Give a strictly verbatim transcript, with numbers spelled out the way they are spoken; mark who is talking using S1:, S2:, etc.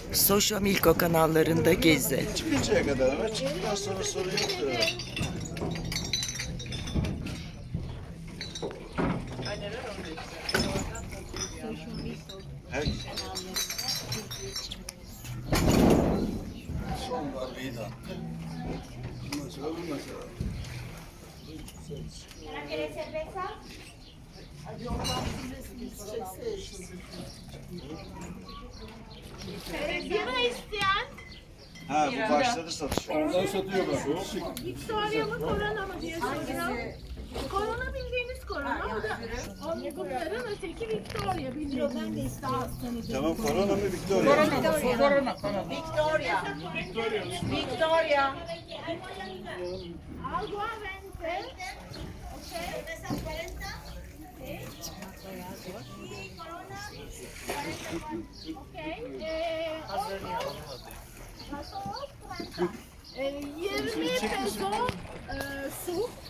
S1: Soşo Milko kanallarında gezi.
S2: Çıkıncaya kadar ama çıktıktan sonra sorun yoktur. Her... Son darbeyi de attı. Bundan sonra bu mesela.
S3: ¿Quieres cerveza? Bira isteyen
S2: Ha bu başladı satış.
S4: Oradan satıyor bak.
S3: Victoria mı korona mı diye soruyor. Korona bildiğiniz korona. Onun bunların öteki Victoria bildiğiniz daha hastanede.
S2: Tamam korona mı Victoria?
S5: Corona, corona. Victoria. Victoria.
S3: Algo a veinte. Cerveza cuarenta. Y corona cuarenta. Ok. Eh, otro. Eh, yirmi peso e, su.